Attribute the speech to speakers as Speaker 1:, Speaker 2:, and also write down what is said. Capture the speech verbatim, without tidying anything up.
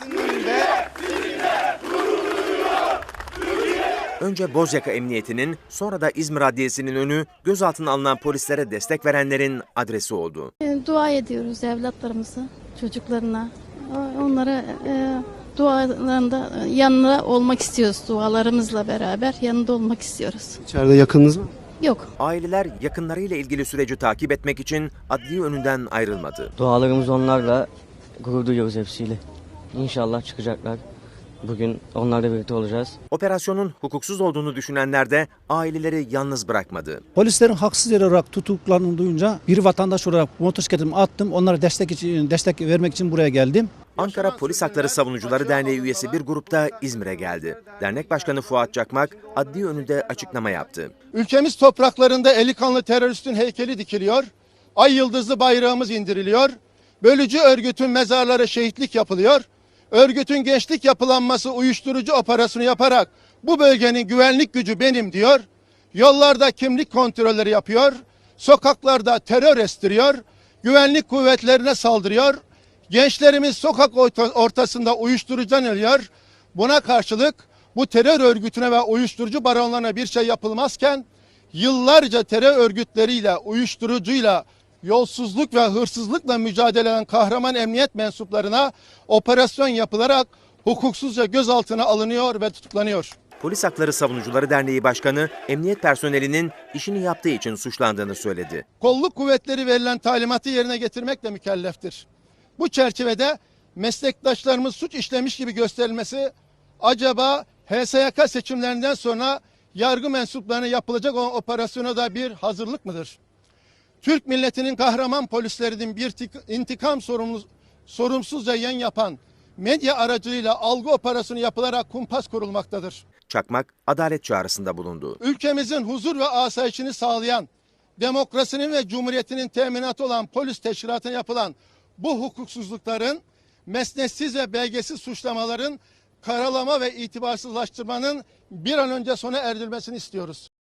Speaker 1: Adliyesinin önünde
Speaker 2: Önce Bozyaka Emniyeti'nin, sonra da İzmir Adliyesi'nin önü gözaltına alınan polislere destek verenlerin adresi oldu.
Speaker 3: Dua ediyoruz evlatlarımıza, çocuklarına. Onlara e, dualarında yanında olmak istiyoruz. Dualarımızla beraber yanında olmak istiyoruz.
Speaker 4: İçeride yakınınız mı?
Speaker 3: Yok.
Speaker 2: Aileler yakınlarıyla ilgili süreci takip etmek için adliye önünden ayrılmadı.
Speaker 5: Dualarımız onlarla, gurur duyuyoruz hepsiyle. İnşallah çıkacaklar. Bugün onlarla birlikte olacağız.
Speaker 2: Operasyonun hukuksuz olduğunu düşünenler de aileleri yalnız bırakmadı.
Speaker 6: Polislerin haksız yere olarak tutuklandığını duyunca bir vatandaş olarak motosikletimi attım. Onlara destek için destek vermek için buraya geldim.
Speaker 2: Ankara Polis Hakları Savunucuları Derneği üyesi bir grupta İzmir'e geldi. Dernek Başkanı Fuat Çakmak adliye önünde açıklama yaptı.
Speaker 7: Ülkemiz topraklarında eli kanlı teröristin heykeli dikiliyor. Ay yıldızlı bayrağımız indiriliyor. Bölücü örgütün mezarları şehitlik yapılıyor. Örgütün gençlik yapılanması uyuşturucu operasyonu yaparak bu bölgenin güvenlik gücü benim diyor. Yollarda kimlik kontrolleri yapıyor. Sokaklarda terör estiriyor. Güvenlik kuvvetlerine saldırıyor. Gençlerimiz sokak ortasında uyuşturucudan ölüyor. Buna karşılık bu terör örgütüne ve uyuşturucu baronlarına bir şey yapılmazken yıllarca terör örgütleriyle, uyuşturucuyla, yolsuzluk ve hırsızlıkla mücadele eden kahraman emniyet mensuplarına operasyon yapılarak hukuksuzca gözaltına alınıyor ve tutuklanıyor.
Speaker 2: Polis Hakları Savunucuları Derneği Başkanı, emniyet personelinin işini yaptığı için suçlandığını söyledi.
Speaker 7: Kolluk kuvvetleri verilen talimatı yerine getirmekle mükelleftir. Bu çerçevede meslektaşlarımız suç işlemiş gibi gösterilmesi acaba H S Y K seçimlerinden sonra yargı mensuplarına yapılacak olan operasyona da bir hazırlık mıdır? Türk milletinin kahraman polislerinin bir intikam sorumsuzca yayın yapan medya aracılığıyla algı operasyonu yapılarak kumpas kurulmaktadır.
Speaker 2: Çakmak adalet çağrısında bulundu.
Speaker 7: Ülkemizin huzur ve asayişini sağlayan, demokrasinin ve cumhuriyetinin teminatı olan polis teşkilatına yapılan bu hukuksuzlukların, mesnetsiz ve belgesiz suçlamaların karalama ve itibarsızlaştırmanın bir an önce sona erdirilmesini istiyoruz.